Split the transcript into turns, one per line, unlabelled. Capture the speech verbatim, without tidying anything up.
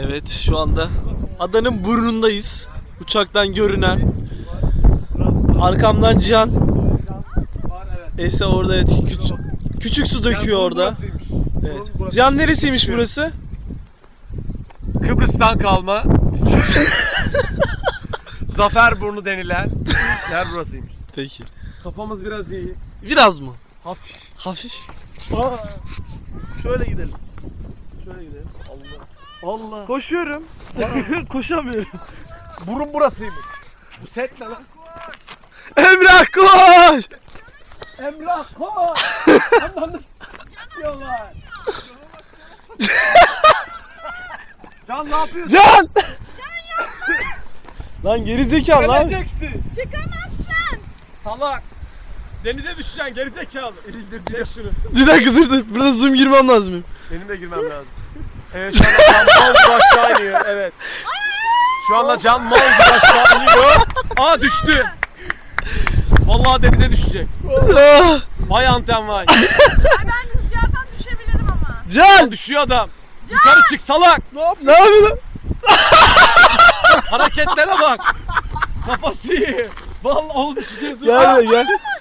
Evet, şu anda adanın burnundayız. Uçaktan görünen. Arkamdan Cihan. Ese orada, evet, küçük, küçük su döküyor orada. Evet. Cihan, neresiymiş burası?
Kıbrıs'tan kalma Zaferburnu denilen yer burasıymış.
Peki.
Kafamız biraz iyi.
Biraz mı?
Hafif.
Hafif.
Aa,
Şöyle gidelim. Şöyle gidelim. Allah.
Allah.
Koşuyorum. Koşamıyorum.
Burun burasıymış. Bu set ne lan?
Emrah, koş!
Emrah koş! Ananı s**yorlar. Can ne yapıyorsun?
Can! Lan gerizekalı lan.
Geleceksin.
Çıkamazsın.
Salak. Denize düşeceksin gerizekalı. İndir direkt şunu.
Bir dakika dur dur. Burada zoom girmem lazım.
Benim de girmem lazım. Evet şu anda Can mal gibi aşağı iniyor. Evet. Şu anda Can mal gibi aşağı iniyor. Aa düştü. Vallahi denize düşecek.
Ah!
Vay anten vay.
Ay ben rüzgardan düşebilirim ama.
Can!
Düşüyor adam. Yukarı çık salak.
Ne yap ne yapıyorsun?
Hareketlere bak. Kafası iyi. Vallahi oğlum düşeceğiz.
Gel gel.